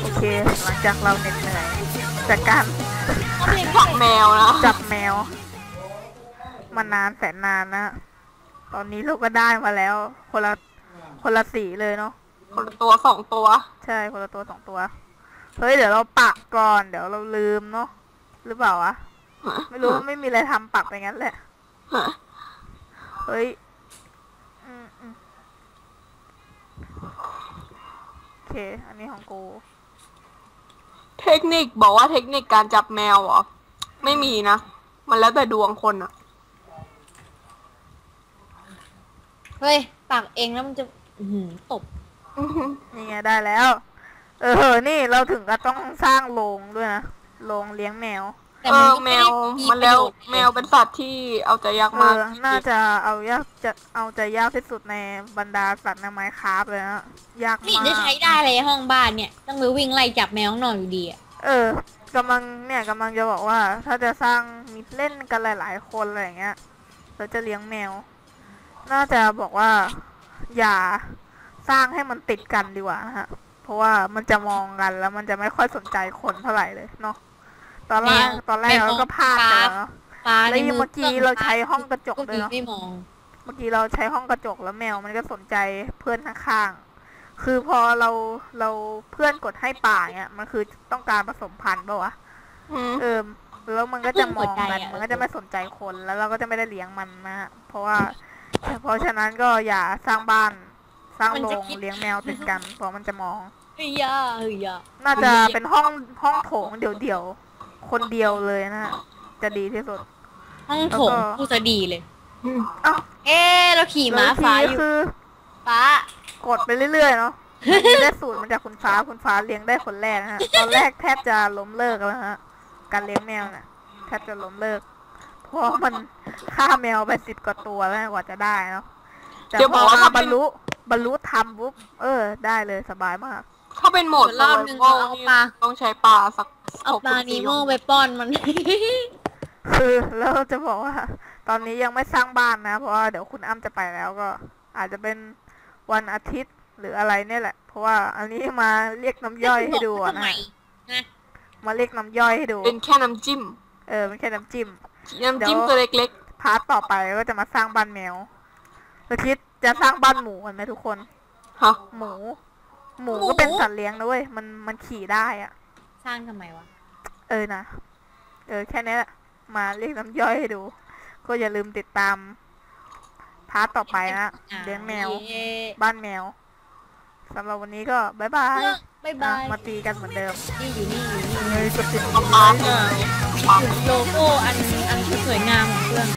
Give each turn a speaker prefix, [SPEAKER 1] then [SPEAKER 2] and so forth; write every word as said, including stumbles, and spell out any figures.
[SPEAKER 1] เคหลังจากเราเหน็ดเหนื่อยจากการ
[SPEAKER 2] จับแมวนะ
[SPEAKER 1] จับแมวมานานแสนนานนะตอนนี้เราก็ได้มาแล้วคนละคนละสีเลยเนาะ
[SPEAKER 2] คนละตัวสองตัว
[SPEAKER 1] ใช่คนละตัวสองตัวเฮ้ยเดี๋ยวเราปักก่อนเดี๋ยวเราลืมเนาะหรือเปล่าวะไม่รู้ไม่มีอะไรทำปักไปงั้นแหละเฮ้ยอืมอืมโอเคอันนี้ของกู
[SPEAKER 2] เทคนิคบอกว่าเทคนิคการจับแมวเหรอไม่มีนะมันแล้วแต่ดวงคนอะ
[SPEAKER 3] เฮ้ยปากเองแล้วมันจะหืมตบ
[SPEAKER 1] นี่ไงได้แล้วเออนี่เราถึงก็ต้องสร้างโรงด้วยนะโรงเลี้ยงแมว
[SPEAKER 2] เออแมวมันแล้วแมวเป็นสัตว์ที่เอาใจยากมาก
[SPEAKER 1] น่าจะเอายากจะเอาใจยากที่สุดในบรรดาสัตว์ในไมน์คราฟเลยนะยากมาก
[SPEAKER 3] นี่จะใช้ได้เลยห้องบ้านเนี่ยต้องไปวิ่งไล่จับแมวข้างนอกอยู่ดีอ่ะ
[SPEAKER 1] เออกำลังเนี่ยกำลังจะบอกว่าถ้าจะสร้างมิตรเล่นกันหลายๆคนอะไรอย่างเงี้ยเราจะเลี้ยงแมวน่าจะบอกว่าอย่าสร้างให้มันติดกันดีกว่านะฮะเพราะว่ามันจะมองกันแล้วมันจะไม่ค่อยสนใจคนเท่าไหร่เลยเนาะตอนแรกตอนแรกเราก็พลาดไปแล้วเนาะแล้วเมื่อกี้เราใช้ห้องกระจกเลยเนาะเมื่อกี้เราใช้ห้องกระจกแล้วแมวมันก็สนใจเพื่อนข้างๆคือพอเราเราเพื่อนกดให้ป่าเนี่ยมันคือต้องการผสมพันธุ์ป่ะวะเออแล้วมันก็จะมองกันมันก็จะไม่สนใจคนแล้วเราก็จะไม่ได้เลี้ยงมันนะเพราะว่าเพราะฉะนั้นก็อย่าสร้างบ้านสร้างโรงเลี้ยงแมวติดกันเพราะมันจะมอง
[SPEAKER 3] เฮ้ยยาเฮ้ยยา
[SPEAKER 1] น่าจะเป็นห้องห้องโถงเดี่ยวๆคนเดียวเลยนะจะดีที่สุด
[SPEAKER 3] ห้องโถงกูจะดีเลย
[SPEAKER 1] อ้าว
[SPEAKER 3] เอ๊เราขี่ม้าฟ้าอยู่
[SPEAKER 1] คือ
[SPEAKER 3] ฟ้าก
[SPEAKER 1] ดไปเรื่อยๆเนาะได้สูตรมาจากคุณฟ้าคุณฟ้าเลี้ยงได้คนแรกนะฮะตอนแรกแทบจะล้มเลิกแล้วฮะการเลี้ยงแมวเนี่ยแทบจะล้มเลิกเพราะมันฆ่าแมวไปสิบกว่าตัวแล้วกว่าจะได้เนาะแต่พอมาบรรลุบรรลุทำปุ๊บเออได้เลยสบายมาก
[SPEAKER 2] ถ้าเป็นโหมด
[SPEAKER 3] รอบนึงเอาปลา
[SPEAKER 2] ต้องใช้ปลาสัก
[SPEAKER 3] เอาปลานีโม่ไปป้อนมัน
[SPEAKER 1] คือแล้วจะบอกว่าตอนนี้ยังไม่สร้างบ้านนะเพราะว่าเดี๋ยวคุณอ้ำจะไปแล้วก็อาจจะเป็นวันอาทิตย์หรืออะไรเนี่ยแหละเพราะว่าอันนี้มาเรียกน้ำย่อยให้ดูนะมาเรียกน้ำย่อยให้ดู
[SPEAKER 2] เป็นแค่น้ำจิ้ม
[SPEAKER 1] เออเป็นแค่น้ำจิ้ม
[SPEAKER 2] น้ำจิ้มตัวเล็ก
[SPEAKER 1] ๆพาร์ทต่อไปก็จะมาสร้างบ้านแมวเราคิดจะสร้างบ้านหมูกันไหมทุกคน
[SPEAKER 2] ฮะ
[SPEAKER 1] หมูหมูก็เป็นสัตว์เลี้ยงนะเว้ยมันมันขี่ได้อะ
[SPEAKER 3] สร้างทำไมวะ
[SPEAKER 1] เออนะเออแค่นี้แหละมาเรียกน้ำย่อยให้ดูก็อย่าลืมติดตามพาร์ทต่อไปนะเลี้ยงแมวบ้านแมวสำหรับวันนี้ก็บายบาย
[SPEAKER 3] บายบาย
[SPEAKER 1] มาตีกันเหมือนเดิม
[SPEAKER 3] นี่อยู่นี่อยู่นี่
[SPEAKER 1] เลยสุดๆ
[SPEAKER 3] โลโก้อันอันสวยงามของเพื่อน